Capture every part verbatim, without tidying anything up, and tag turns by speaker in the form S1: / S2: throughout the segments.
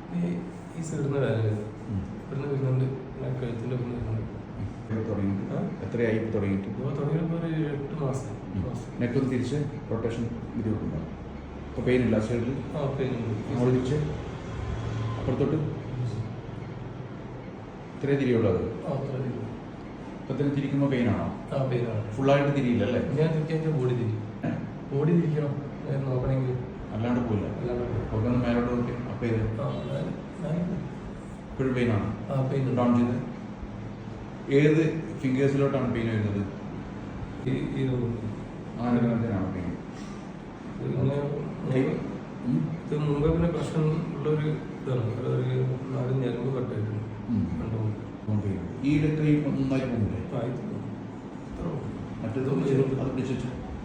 S1: ഈ സൈഡിൽ വേദന വരുന്നത് ഇവിടുന്ന് വരുന്നുണ്ട് കഴുത്തിൻ്റെ ഇവിടുന്ന് വരുന്നുണ്ട്.
S2: എത്രയായി തുടങ്ങിയിട്ട്?
S1: തുടങ്ങിയപ്പോൾ ഒരു എട്ട് മാസം.
S2: നെക്കൊന്ന് തിരിച്ച് റൊട്ടേഷൻ ബുദ്ധിമുട്ടുണ്ടോ? അപ്പോൾ പെയിൻ ഇല്ല സൈഡിൽ?
S1: ആ പെയിൻ ഉണ്ട്.
S2: അങ്ങോട്ട് തിരിച്ച് അപ്പുറത്തോട്ട് ഇത്രേ തിരിയുള്ളത്?
S1: ആ അത്ര തിരി.
S2: ഇപ്പം തന്നെ തിരിക്കുമ്പോൾ പെയിനാണോ?
S1: ആ പെയിനാണ്.
S2: ഫുള്ളായിട്ട് തിരിയില്ല അല്ലേ?
S1: ഞാൻ തിരിക്കാൻ ബോഡി തിരി ബോഡി തിരിക്കണം നോക്കണമെങ്കിൽ.
S2: അല്ലാണ്ട് പോയില്ല? ഒക്കെ ഒന്ന് മേലോട്ട് നോക്കി അപ്പം ഇത് ഇപ്പോഴും പെയിനാണ്?
S1: ആ പെയിൻ
S2: ഡൗൺ ചെയ്ത് ഏത് ഫിംഗേഴ്സിലോട്ടാണ് പെയിൻ വരുന്നത്? അങ്ങനെ പെയിൻ?
S1: ഇത് മുമ്പേ പിന്നെ പ്രശ്നം ഉള്ളൊരു ഇതാണ്. ഒരു നാല് ഞരമ്പ് കട്ടായിട്ടുണ്ട്.
S2: ഈ ഇടത്ത് നന്നായി പോകുന്നില്ലേ? മറ്റേത് അത് പിടിച്ചു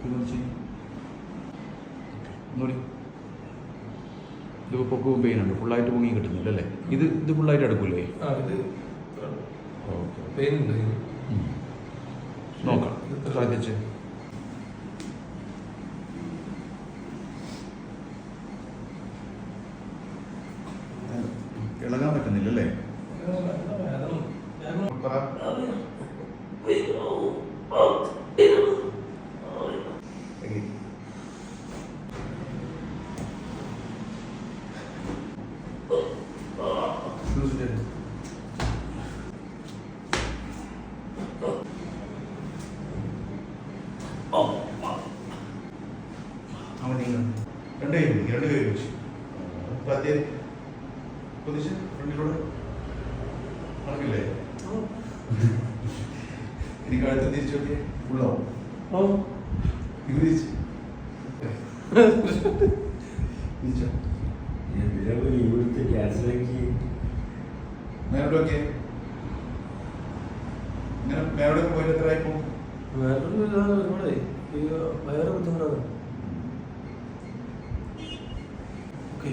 S2: ഒന്നുകൂടി. ഇതിപ്പോൾ പൊക്കവും പെയിൻ ഉണ്ട്, ഫുള്ളായിട്ട് പൊങ്ങി കിട്ടുന്നില്ല അല്ലേ? ഇത് ഇത് ഫുള്ളായിട്ട് എടുക്കൂലേ? ഓക്കെ
S1: പെയിൻ ഉണ്ട്.
S2: നോക്കാം സാധിച്ച്. ഇളകാൻ പറ്റുന്നില്ല അല്ലേ? അവൻ രണ്ട് കൈ പിടിക്കും, രണ്ട് കൈ പിടിച്ചു അത്യാവശ്യം പൊതിച്ച് ഫ്രണ്ടിലൂടെ നടക്കില്ലേ? എനിക്ക് അടുത്ത് തിരിച്ചു നോക്കിയേ ഫുള്ളാവും. ഇത് തിരിച്ച് തിരിച്ചോ മേലോട്ട് നോക്കിയേ. ഇങ്ങനെ മേലോട്ട് പോയിട്ട് എത്ര ആയിപ്പോ?
S1: വേറെ ബുദ്ധിമുട്ടാണ്. ഓക്കെ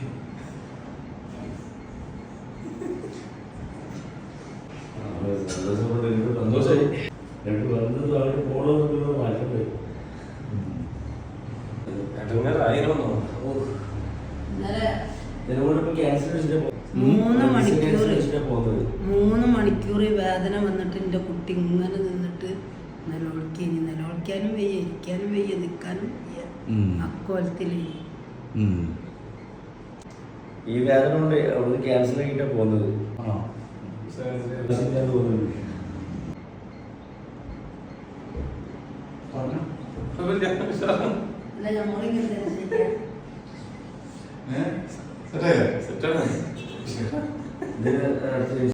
S3: സന്തോഷമായി. രണ്ട് വരുന്നത് അവര് പോകണമെന്നുള്ള മാറ്റം
S4: മൂന്ന് മണിക്കൂർ മൂന്ന് മണിക്കൂർ വേദന വന്നിട്ട് എൻ്റെ കുട്ടി ഇങ്ങനെ നിന്നിട്ട് നിലവിളിക്കാൻ നിലവിളിക്കാനും വയ്യ, ഇരിക്കാനും വയ്യ, നിൽക്കാനും വയ്യ. അക്കോലത്തില്
S3: ഈ വേദന കൊണ്ട് അവിടുന്ന് ക്യാൻസർ ആക്കിട്ടാ പോകുന്നത്.
S4: നമ്മളിങ്ങനെ
S2: സെറ്റായില്ലേ?
S1: സെറ്റാണ്.